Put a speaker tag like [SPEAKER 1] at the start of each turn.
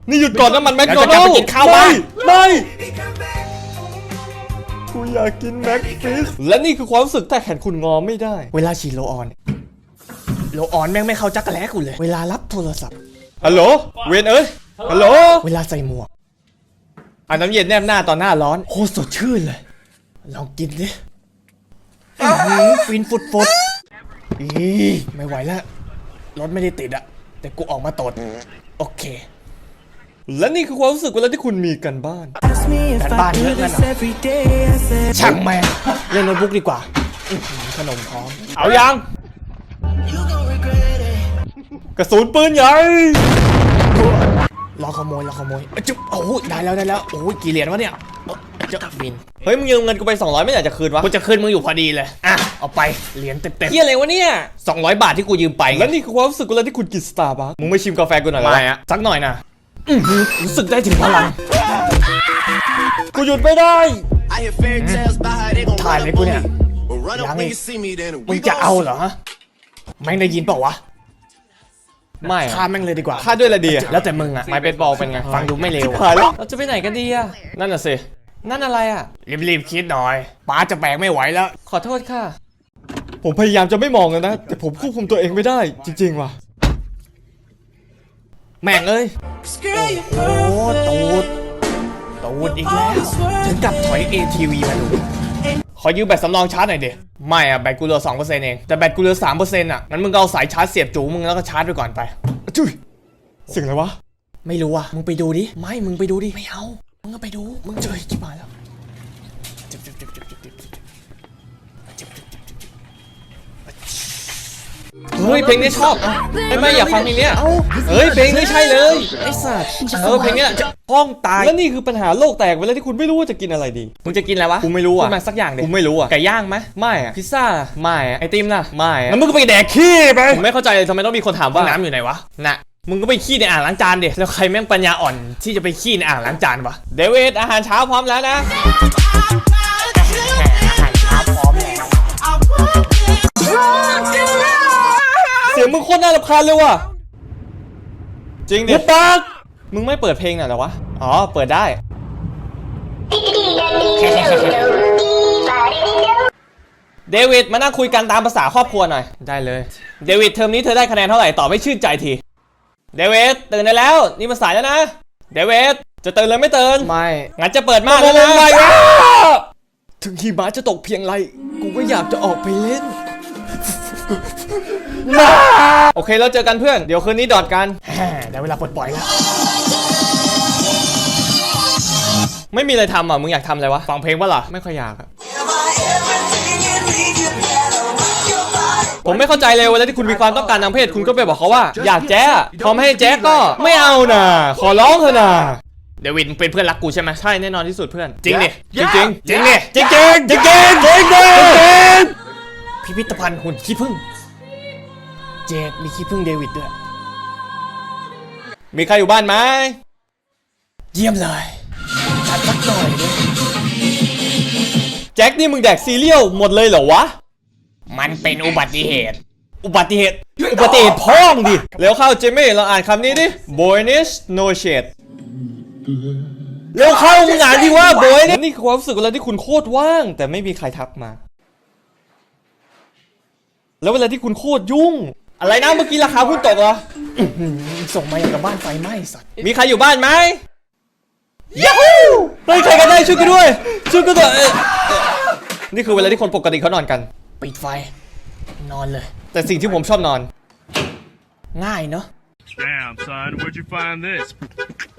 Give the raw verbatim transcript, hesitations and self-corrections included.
[SPEAKER 1] นี่หยุดก่อนนะมันแมคโดนัลด์กินข้าวบ้านไม่กูอยากกินแม็กฟิสและนี่คือความรู้สึกแต่แขนคุณงอไม่ได้เวลาฉีดโลออนโลออนแม่งไม่เข้าจักรแล้กูเลยเวลารับโทรศัพท์ฮัลโหลเวนเอ้ยฮัลโหลเวลาใส่หมวกอันน้ำเย็นแนบหน้าตอนหน้าร้อนโคตรสดชื่นเลยลองกินดิฟินฟุดฟุดอีไม่ไหวแล้วรถไม่ได้ติดอะแต่กูออกมาตดโอเคและนี่คือความรู้สึกเวลาที่คุณมีกันบ้านกันบ้านเยอะนั่นเหรอช่างแม่เล่นโน้ตบุ๊กดีกว่าขนมพร้อมเอายังกระสุนปืนใหญ่รอขโมยรอขโมยจุ๊บโอ้โหได้แล้วได้แล้วโอ้ยกี่เหรียญวะเนี่ยเจ้าบินเฮ้ยมึงยืมเงินกูไปสองร้อยไม่อยากจะคืนวะกูจะคืนมึงอยู่พอดีเลยอ่ะเอาไปเหรียญเต็มๆเฮียอะไรวะเนี่ยสองร้อยบาทที่กูยืมไปและนี่คือความรู้สึกเวลาที่คุณกินสตาร์บัคมึงไม่ชิมกาแฟกูหน่อยเหรอสักหน่อยนะรู้สึกได้ถึงพลังกูหยุดไม่ได้ถ่ายเลยกูเนี่ยยังมึงจะเอาเหรอแม่งได้ยินเปล่าวะไม่ฆ่าแม่งเลยดีกว่าฆ่าด้วยอะไรดีแล้วแต่มึงอะไม้เบสบอลเป็นไงฟังดูไม่เร็วเราจะไปไหนกันดีอะนั่นน่ะสินั่นอะไรอะรีบๆคิดหน่อยป้าจะแบกไม่ไหวแล้วขอโทษค่ะผมพยายามจะไม่มองเลยนะแต่ผมควบคุมตัวเองไม่ได้จริงๆว่ะแม่งเอ้ยโอ้โหตูดตูดอีกแล้วถึงกับถอย เอ ที วี มาดูขอยืมแบตสำรองชาร์จหน่อยดิไม่อะแบตกูเหลือ สองเปอร์เซ็นต์ เองแต่แบตกูเหลือ สามเปอร์เซ็นต์ อะงั้นมึงก็เอาสายชาร์จเสียบจูมึงแล้วก็ชาร์จไปก่อนไปจุ๊ยเสียงอะไรวะไม่รู้อะมึงไปดูดิไม่มึงไปดูดิไม่เอามึงก็ไปดูมึงเจอชิบหายแล้วเฮ้ยเพลงนี้ชอบไม่ไม่อยากฟังเพลงนี้เฮ้ยเพลงนี้ใช่เลยไอ้สัตว์เออเพลงนี้ห้องตายแล้วนี่คือปัญหาโลกแตกเวลาที่คุณไม่รู้ว่าจะกินอะไรดีมึงจะกินอะไรวะกูไม่รู้อ่ะมาสักอย่างดิกูไม่รู้อ่ะไก่ย่างไหมไม่อ่ะพิซซ่าไม่อ่ะไอติมน่ะไม่อ่ะแล้วมึงก็ไปแดกขี้ไปผมไม่เข้าใจเลยทำไมต้องมีคนถามว่าน้ำอยู่ไหนวะน่ะมึงก็ไปขี้ในอ่างล้างจานดิแล้วใครแม่งปัญญาอ่อนที่จะไปขี้ในอ่างล้างจานวะเดวิดอาหารเช้าพร้อมแล้วนะอาหารเช้าพร้อมแล้วเสียงมึงโคตรน่ารำคาญเลยว่ะจริงดิปักมึงไม่เปิดเพลงหน่อยเหรอวะอ๋อเปิดได้เดวิดมานั่งคุยกันตามภาษาครอบครัวหน่อยได้เลยเดวิดเทอมนี้เธอได้คะแนนเท่าไหร่ตอบไม่ชื่นใจทีเดวิดตื่นได้แล้วนี่มันสายแล้วนะเดวิดจะตื่นเลยไม่ตื่นไม่งั้นจะเปิดม่านแล้วนะถึงหิมะจะตกเพียงไรกูก็อยากจะออกไปเล่นโอเคแล้วเจอกันเพื่อนเดี๋ยวคืนนี้ดอดกันได้เวลาปลดปล่อยแล้วไม่มีอะไรทำอ่ะมึงอยากทำอะไรวะฟังเพลงวะล่ะไม่ค่อยอยากอะผมไม่เข้าใจเลยเวลาที่คุณมีความต้องการทางเพศคุณก็ไปบอกเขาว่าอยากแจ๊พอไม่ให้แจ๊ก็ไม่เอาน่ะขอร้องเถอะน่ะเดวิดมึงเป็นเพื่อนรักกูใช่ไหมใช่แน่นอนที่สุดเพื่อนจริงดิจริงจริงจริงดิจริงจริงจริงจริงจริงจริงพิพิธภัณฑ์หุ่นขี้ผึ้งเจดมีขี้ผึ้งเดวิดด้วยมีใครอยู่บ้านไหมเยี่ยมเลยจัดสักหน่อยดิแจ็คนี่มึงแดกซีเรียลหมดเลยเหรอวะมันเป็นอุบัติเหตุอุบัติเหตุอุบัติเหตุพ้องดิแล้วเข้าเจมี่เราอ่านคำนี้ดิ Boynish no shade เร็วเข้ามึงอ่านดิว่า Boynish นี่คือความรู้สึกเวลาที่คุณโคตรว่างแต่ไม่มีใครทักมาแล้วเวลาที่คุณโคตรยุ่งอะไรนะเมื่อกี้ราคาหุ้นตกเหรอส่งมาอย่างกับบ้านไฟไหม้สัตว์มีใครอยู่บ้านไหมยูฮูเฮ้ยใครกันได้ช่วยกันด้วยช่วยกันด้วยนี่คือเวลาที่คนปกติเขานอนกันปิดไฟนอนเลยแต่สิ่งที่ผมชอบนอนง่ายเนาะ
[SPEAKER 2] Damn son, where'd you find this?